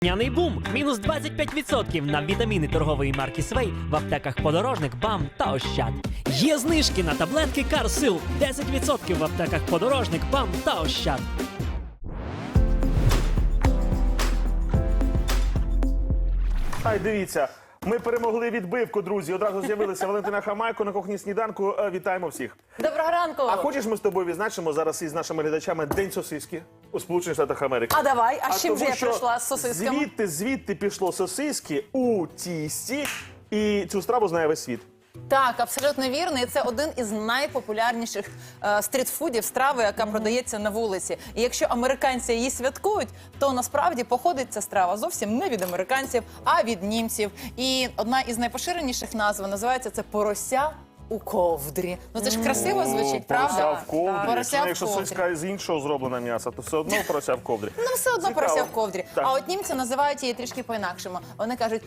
Няний бум! Мінус 25% на вітаміни торгової марки Свей в аптеках Подорожник, БАМ та Ощад. Є знижки на таблетки Карсил 10% в аптеках Подорожник, БАМ та Ощад. Ай, дивіться, ми перемогли відбивку, друзі. Одразу з'явилася Валентина Хамайко на кухні сніданку. Вітаємо всіх. Доброго ранку! А хочеш, ми з тобою відзначимо зараз із нашими глядачами День сосиски у Сполучених Штатах Америки? А давай, а з чим же тому я що прийшла з сосисками? Звідти пішло сосиски у тісті, і цю страву знає весь світ. Так, абсолютно вірно. І це один із найпопулярніших стрітфудів, страви, яка продається на вулиці. І якщо американці її святкують, то насправді походить ця страва зовсім не від американців, а від німців. І одна із найпоширеніших назв називається це порося у ковдрі. Ну це ж красиво звучить, правда? Порося в ковдрі. Порося в Якщо ковдрі. сосиска з іншого зроблена м'яса, то все одно порося в ковдрі. Ну, все одно Цікаво. порося в ковдрі. Так. А от німці називають її трішки по-інакшому. Вони кажуть,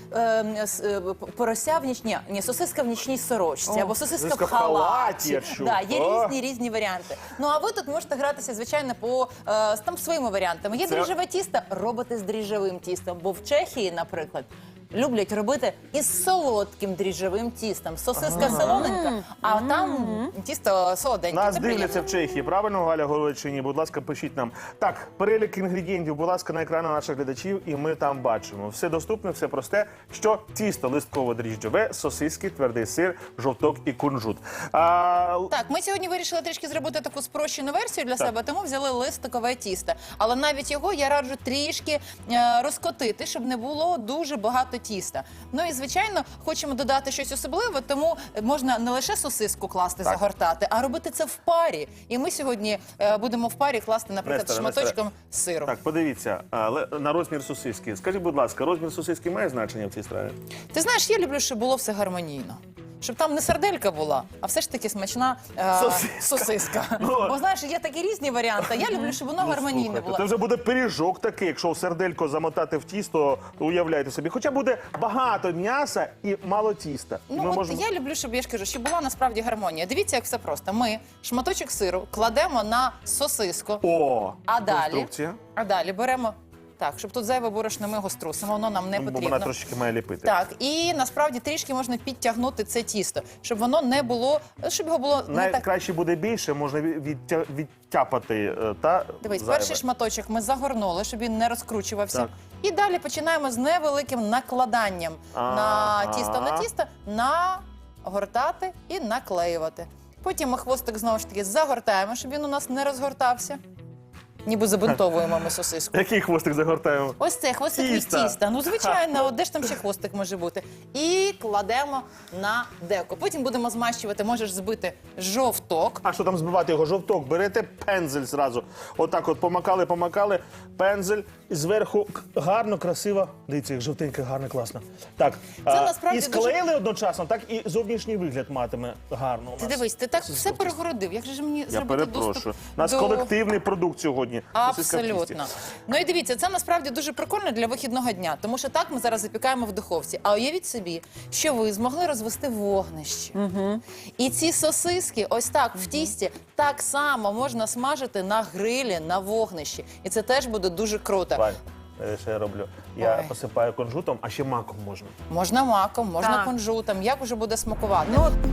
порося в нічній, ні, сосиска в нічній сорочці, або сосиска в халаті. я чув. Да, є О. різні варіанти. Ну, а ви тут можете гратися, звичайно, по там своїми варіантами. Є Це- дріжджеве тісто, робите з дріжджевим тістом. Бо в Чехії, наприклад, люблять робити із солодким дріжджевим тістом. Сосиска солоненька, а там тісто солоденьке. Нас Це дивляться приємно. в Чехії, правильно, Галя говорить чи ні? Будь ласка, пишіть нам. Так, перелік інгредієнтів, будь ласка, на екрани наших глядачів, і ми там бачимо. Все доступне, все просте, що тісто листково-дріжджове, сосиски, твердий сир, жовток і кунжут. Так, ми сьогодні вирішили трішки зробити таку спрощену версію для себе, тому взяли листикове тісто. Але навіть його я раджу трішки розкотити, щоб не було дуже багато тіста. Ну і, звичайно, хочемо додати щось особливе, тому можна не лише сосиску класти, загортати, а робити це в парі. І ми сьогодні будемо в парі класти, наприклад, Несторе, шматочком сиру. Так, подивіться, на розмір сосиски. Скажіть, будь ласка, розмір сосиски має значення в цій страві? Ти знаєш, я люблю, щоб було все гармонійно. Щоб там не сарделька була, а все ж таки смачна сосиска. Ну, Бо, знаєш, є такі різні варіанти. Я люблю, щоб воно гармонійне Слухайте, було. це вже буде пиріжок такий, якщо в серделько замотати в тісто, уявляйте собі. Хоча буде багато м'яса і мало тіста. І Ну, ми от можемо- я люблю, щоб я ж кажу, щоб була насправді гармонія. Дивіться, як все просто. Ми шматочок сиру кладемо на сосиску, О, а далі, конструкція. беремо так, щоб тут зайве борошно ми його струсимо, воно нам не Бо потрібно. вона трошки має ліпити. Так, і насправді трішки можна підтягнути це тісто, щоб воно не було, щоб його було не так. Найкраще буде більше, можна відтяпати та Дивись, зайве. перший шматочок ми загорнули, щоб він не розкручувався. Так. І далі починаємо з невеликим накладанням на тісто, нагортати і наклеювати. Потім ми хвостик знову ж таки загортаємо, щоб він у нас не розгортався. Ніби забинтовуємо ми сосиску. Який хвостик загортаємо? Ось це хвостик від Тіста. тіста. Ну, звичайно, де ж там ще хвостик може бути. І кладемо на деко. Потім будемо змащувати, можеш збити жовток. А що там збивати його? Жовток, берете пензель зразу. Отак от помакали, пензель. І зверху гарно, красиво. Дивіться, як жовтеньке, гарно, класно. Так, насправді і склеїли одночасно, так і зовнішній вигляд матиме гарно у Ти нас. дивись, ти так все перегородив. Як же ж мені Я зробити перепрошую. доступ У нас до... колективний продукт сьогодні. Сосиска в тісті. Абсолютно. Ну і дивіться, це насправді дуже прикольно для вихідного дня, тому що так ми зараз запікаємо в духовці. А уявіть собі, що ви змогли розвести вогнище. І ці сосиски ось так в тісті так само можна смажити на грилі, на вогнищі. І це теж буде дуже круто. Вань, що я роблю? Я Ой. посипаю кунжутом, а ще маком можна. Можна маком, можна Так. кунжутом, як уже буде смакувати.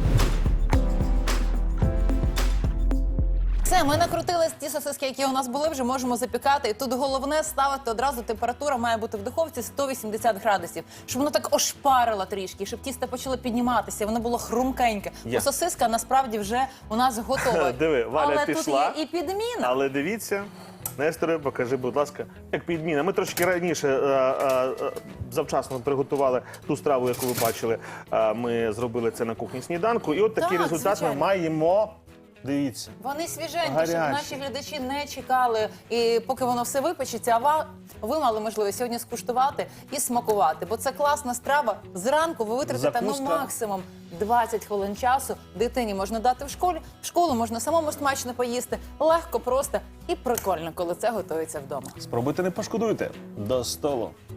Все, ми накрутили ті сосиски, які у нас були, вже можемо запікати. І тут головне ставити одразу, температура має бути в духовці 180 градусів, щоб воно так ошпарило трішки, щоб тісто почало підніматися, воно було хрумкеньке. Є. Бо сосиска насправді вже у нас готова. Диви, Валя Але пішла. тут є і підміна. Але дивіться, Несторе, покажи, будь ласка, як підміна. Ми трошки раніше завчасно приготували ту страву, яку ви бачили. Ми зробили це на кухні сніданку. І от такий Так, результат звичайно. ми маємо. Дивіться. Вони свіженькі, Гарячі. щоб наші глядачі не чекали, і поки воно все випечеться, а ви мали можливість сьогодні скуштувати і смакувати. Бо це класна страва. Зранку ви витратите Закуска. максимум 20 хвилин часу. Дитині можна дати в школу можна самому смачно поїсти. Легко, просто і прикольно, коли це готується вдома. Спробуйте, не пошкодуйте. До столу.